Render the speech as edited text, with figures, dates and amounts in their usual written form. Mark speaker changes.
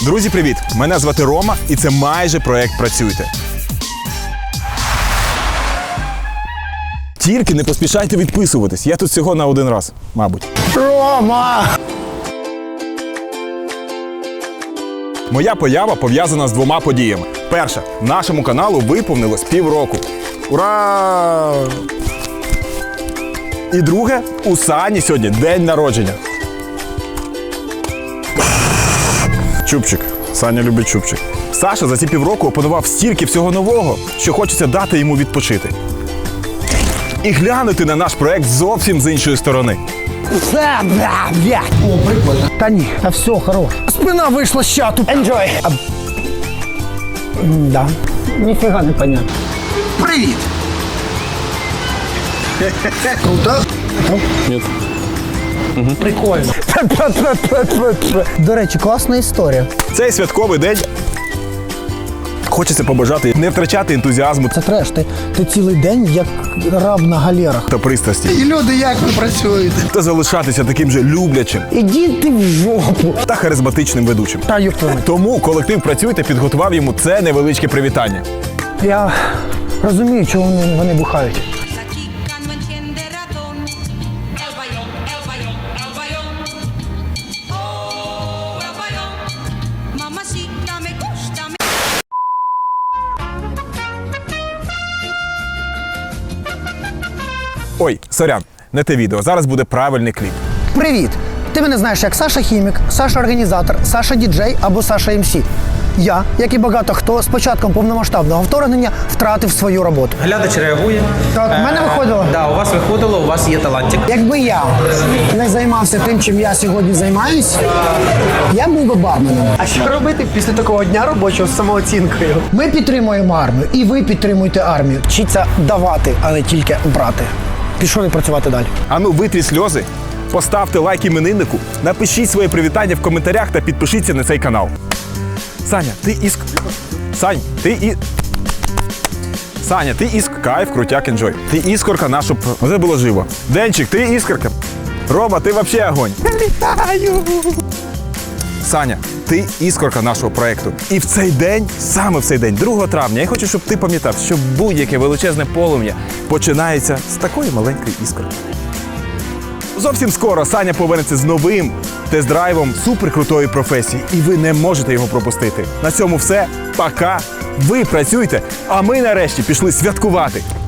Speaker 1: Друзі, привіт! Мене звати Рома, і це майже проект «Працюйте». Тільки не поспішайте відписуватись. Я тут всього на один раз, мабуть.
Speaker 2: Рома!
Speaker 1: Моя поява пов'язана з двома подіями. Перша. Нашому каналу виповнилось півроку. Ура! І друге. У Сані сьогодні день народження. Чубчик. Саня любить чубчик. Саша за ці півроку опанував стільки всього нового, що хочеться дати йому відпочити. І глянути на наш проект зовсім з іншої сторони.
Speaker 2: О, прикольно. Та ні, та все, хорош. Спина вийшла з чату. Enjoy. Да. Ніфіга не понятно.
Speaker 3: Привіт! Круто?
Speaker 1: Ні.
Speaker 2: Прикольно. До речі, класна історія.
Speaker 1: Цей святковий день хочеться побажати не втрачати ентузіазму
Speaker 2: Це треш, ти цілий день як раб на галерах.
Speaker 1: та пристрасті.
Speaker 3: І люди, як ви працюєте?
Speaker 1: Та залишатися таким же люблячим
Speaker 2: Іди ти в жопу.
Speaker 1: та харизматичним ведучим.
Speaker 2: Та юптами.
Speaker 1: Тому колектив «Працюйте» підготував йому це невеличке привітання.
Speaker 2: Я розумію, чого вони бухають.
Speaker 4: La chica no entiende razón. El bayón, el bayón, el bayón. Oh, el bayón. Mamacita me gusta.
Speaker 1: Ой, сорян, не те відео. Зараз буде правильний кліп.
Speaker 2: Привіт! Ти мене знаєш як Саша Хімік, Саша Організатор, Саша Діджей або Саша МС. Я, як і багато хто, з початком повномасштабного вторгнення втратив свою роботу.
Speaker 5: Глядач реагує.
Speaker 2: Так, в мене виходило?
Speaker 5: Да, у вас виходило, у вас є талантик.
Speaker 2: Якби я не займався тим, чим я сьогодні займаюсь, я був би барменом. А що робити після такого дня робочого з самооцінкою? Ми підтримуємо армію, і ви підтримуєте армію. Вчіться давати, а не тільки брати. Пішов працювати далі.
Speaker 1: Ану, витріть сльози, поставте лайк імениннику, напишіть своє привітання в коментарях та підпишіться на цей канал. Саня, ти кайф, крутяк, енджой. Ти іскорка нашу... Це було живо. Денчик, ти іскорка. Рома, ти вообще огонь. Вітаю! Саня, ти іскорка нашого проєкту. І в цей день, саме в цей день, 2 травня, я хочу, щоб ти пам'ятав, що будь-яке величезне полум'я починається з такої маленької іскорки. Зовсім скоро Саня повернеться з новим тест-драйвом суперкрутої професії, і ви не можете його пропустити. На цьому все. Пока. Ви працюйте, а ми нарешті пішли святкувати.